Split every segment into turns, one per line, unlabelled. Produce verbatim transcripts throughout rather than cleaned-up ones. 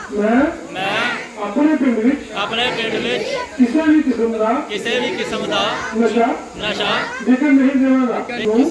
मैं
मैं
अपने पिंड विच
अपने पिंड विच
किसी भी किस्म का
किसी भी किस्म का
नशा
नशा
विकन नहीं देवांगा।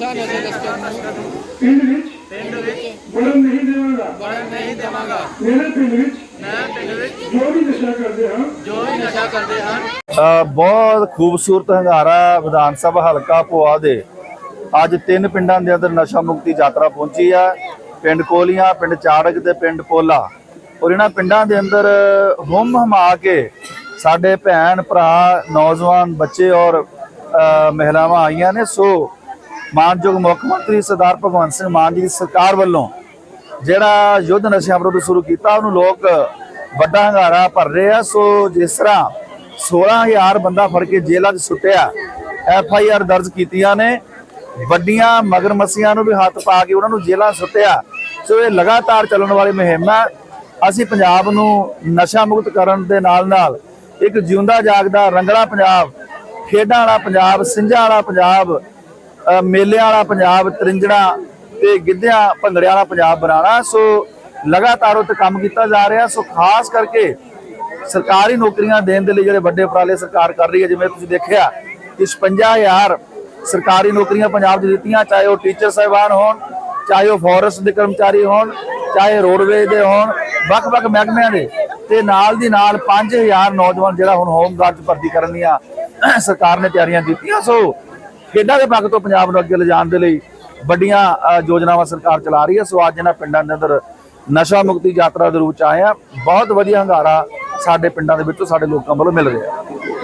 पिंड विच
पिंड विच
बढ़न नहीं देवांगा।
बढ़न नहीं देवांगा।
मेरे पिंड विच
मैं पिंड विच
जो भी नशा करते हैं
जो भी नशा करते हैं
ਅ, ਬਹੁਤ ਖੂਬਸੂਰਤ ਹੰਗਾਰਾ ਵਿਧਾਨ ਸਭਾ ਹਲਕਾ ਭੋਆ ਦੇ ਅੱਜ ਤਿੰਨ ਪਿੰਡਾਂ ਦੇ ਅੰਦਰ ਨਸ਼ਾ ਮੁਕਤੀ ਯਾਤਰਾ ਪਹੁੰਚੀ ਆ। ਪਿੰਡ ਕੋਲੀਆਂ, ਪਿੰਡ ਚਾੜਕ ਤੇ ਪਿੰਡ ਪੋਲਾ। ਔਰ ਇਹਨਾਂ ਪਿੰਡਾਂ ਦੇ ਅੰਦਰ ਹੁੰਮ ਹਮਾ ਕੇ ਸਾਡੇ ਭੈਣ ਭਰਾ, ਨੌਜਵਾਨ, ਬੱਚੇ ਔਰ ਅ, ਮਹਿਲਾਵਾਂ ਆਈਆਂ ਨੇ। ਸੋ ਮਾਨਯੋਗ ਮੁੱਖ ਮੰਤਰੀ ਸਰਦਾਰ ਭਗਵੰਤ ਸਿੰਘ ਮਾਨ ਜੀ ਦੀ ਸਰਕਾਰ ਵੱਲੋਂ ਜਿਹੜਾ ਯੁੱਧ ਨਸ਼ਿਆਂ ਵਿਰੁੱਧ ਸ਼ੁਰੂ ਕੀਤਾ, ਉਹਨੂੰ ਲੋਕ ਵੱਡਾ ਹੰਗਾਰਾ ਭਰ ਰਹੇ ਆ। ਸੋ ਜਿਸ ਤਰ੍ਹਾਂ सोलह हज़ार बंदा फड़ के जेलों च सुटिया, एफ आई आर दर्ज कीतियां ने, वड्डियां मगरमच्छियां नूं भी हत्थ पा के उन्हां नूं जेलों सुटिया। सो ये लगातार चलण वाली मुहिम है। असीं पंजाब नूं नशा मुक्त करन दे नाल नाल एक जिउंदा जागदा रंगला पंजाब, खेडां वाला पंजाब, सिंझां वाला पंजाब, मेलिਆਂ वाला पंजाब, तरिंजड़ा ते गिद्धियां भंगड़े वाला पंजाब बनाना। सो लगातार उत्ते काम कीता जा रहा। सो खास करके सरकारी नौकरियां देने के लिए जो बड़े उपराले सरकार कर रही है, जिवें तुसीं देखिया कि छप्पन हज़ार सरकारी नौकरियां पंजाब च दित्तियां, चाहे वह टीचर साहिबान होण, चाहे वह फॉरेस्ट के कर्मचारी होण, चाहे रोडवेज के होण, वख-वख महकमिਆਂ ਦੇ ਤੇ ਨਾਲ ਦੀ ਨਾਲ पाँच हज़ार नौजवान ਜਿਹੜਾ ਹੁਣ होमगार्ड भर्ती ਕਰਨ ਦੀਆਂ ਸਰਕਾਰ ਨੇ ਤਿਆਰੀਆਂ ਕੀਤੀਆਂ। ਸੋ ਖੇਡਾਂ ਦੇ ਪੱਖ ਤੋਂ ਪੰਜਾਬ ਨੂੰ ਅੱਗੇ ਲਿਜਾਣ ਦੇ ਲਈ ਵੱਡੀਆਂ ਯੋਜਨਾਵਾਂ ਸਰਕਾਰ ਚਲਾ ਰਹੀ ਹੈ। ਸੋ ਅੱਜ ਇਹਨਾਂ ਪਿੰਡਾਂ ਦੇ ਅੰਦਰ ਨਸ਼ਾ ਮੁਕਤੀ ਯਾਤਰਾ ਦੇ ਰੂਪ ਚ ਆਏ ਆ। ਬਹੁਤ ਵਧੀਆ ਹੰਗਾਰਾ ਸਾਡੇ ਪਿੰਡਾਂ ਦੇ ਵਿੱਚੋਂ ਸਾਡੇ ਲੋਕਾਂ ਵੱਲੋਂ ਮਿਲ ਰਿਹਾ।